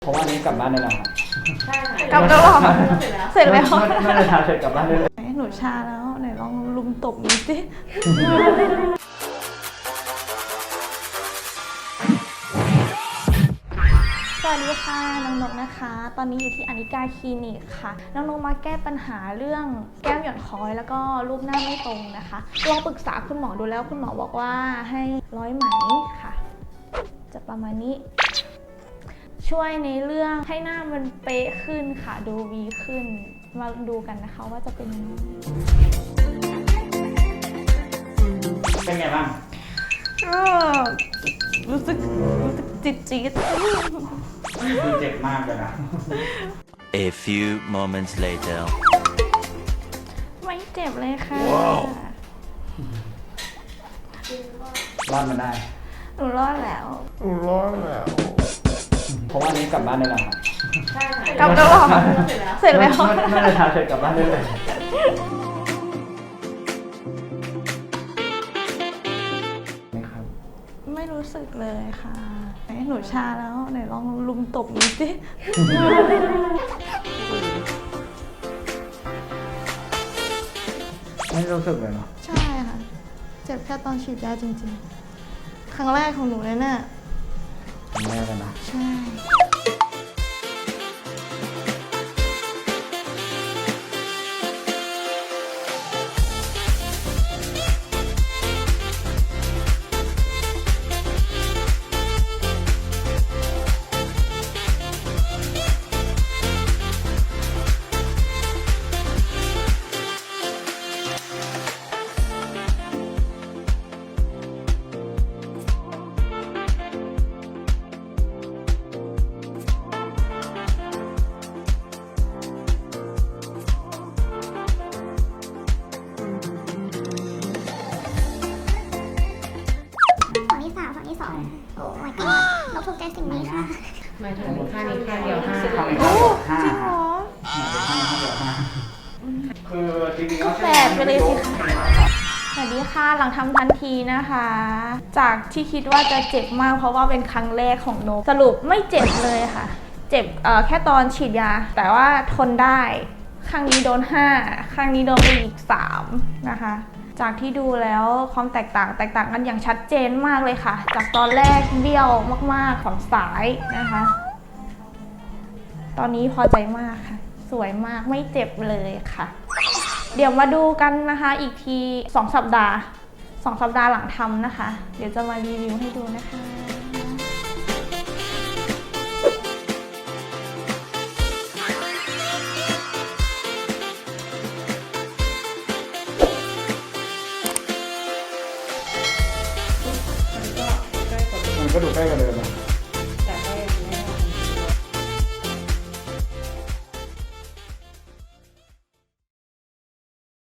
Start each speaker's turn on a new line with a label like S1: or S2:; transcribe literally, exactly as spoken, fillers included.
S1: เพราะว่านี้กลับบ้านได้แล้วครับ
S2: ใช่ค่ะ
S3: กลับแล้วเหรอเสร็จแล้ว
S1: น่าจะทาเสร็จกลับบ้านได้เลย
S3: หนูชาแล้วไหนลองลุมตบหน่อยสิสวัสดีค่ะน้องนกนะคะ ตอนนี้อยู่ที่อนิกาคลินิกค่ะน้องนกมาแก้ปัญหาเรื่องแก้มหย่อนคล้อยแล้วก็รูปหน้าไม่ตรงนะคะลองปรึกษาคุณหมอดูแล้วคุณหมอบอกว่าให้ร้อยไหมค่ะจะประมาณนี้ช่วยในเรื่องให้หน้ามันเป๊ะขึ้นค่ะดูวีขึ้นมาดูกันนะคะว่าจะเป็นยังไง
S1: เป็นไงบ้าง
S3: ก็รู้สึกรู้สึกจี๊ดจี๊ด
S1: ดูเจ็บมากเลยนะ
S4: A few moments later
S3: ไม่เจ็บเลยค่ะ
S4: wow.
S1: รอดมาได้
S3: หนูรอดแล้ว
S1: หนูรอดแล้วเพราะว่านี้กลับบ้านได้แล้วครับ
S2: ใช่ค่ะ
S3: กลับแล้วเหรอเสร็จแล้ว
S1: น่าจะทาเสร็จกลับบ้านได้เลยไม่ครับ
S3: ไม่รู้สึกเลยค่ะหนูชาแล้วไหนลองลุมตบหน่อยสิ
S1: ไม่รู้สึกเลยเนาะ
S3: ใช่ค่ะเจ็บแค่ตอนฉีดยาจริงๆครั้งแรกของหนูเลยเนี่ย
S1: ครั้งแรกกันนะ
S3: ใช่
S5: ฝั่งที่สามฝั่งที่สองโอ้ my god เราถูกใจสิ่งนี้ค่ะ
S2: หมายถึงค่านี้ค่าเดียวห้า
S1: โอ้จริง
S3: เหรอ
S1: คือจริงๆก็
S3: แปดไปเลยสิคะสวัสดีค่ะหลังทำทันทีนะคะ จากที่คิดว่าจะเจ็บมากเพราะว่าเป็นครั้งแรกของนกสรุปไม่เจ็บเลยค่ะเจ็บเอ่อแค่ตอนฉีดยาแต่ว่าทนได้ครั้งนี้โดนห้าครั้งนี้โดนไปอีกสามนะคะจากที่ดูแล้วความแตกต่างแตกต่างกันอย่างชัดเจนมากเลยค่ะจากตอนแรกเบี้ยวมากๆของสายนะคะตอนนี้พอใจมากค่ะสวยมากไม่เจ็บเลยค่ะเดี๋ยวมาดูกันนะคะอีกทีสองสัปดาห์สองสัปดาห์หลังทำนะคะเดี๋ยวจะมารีวิวให้ดูนะคะ
S1: มันก็ดูใกล้กว่าเดิมนะ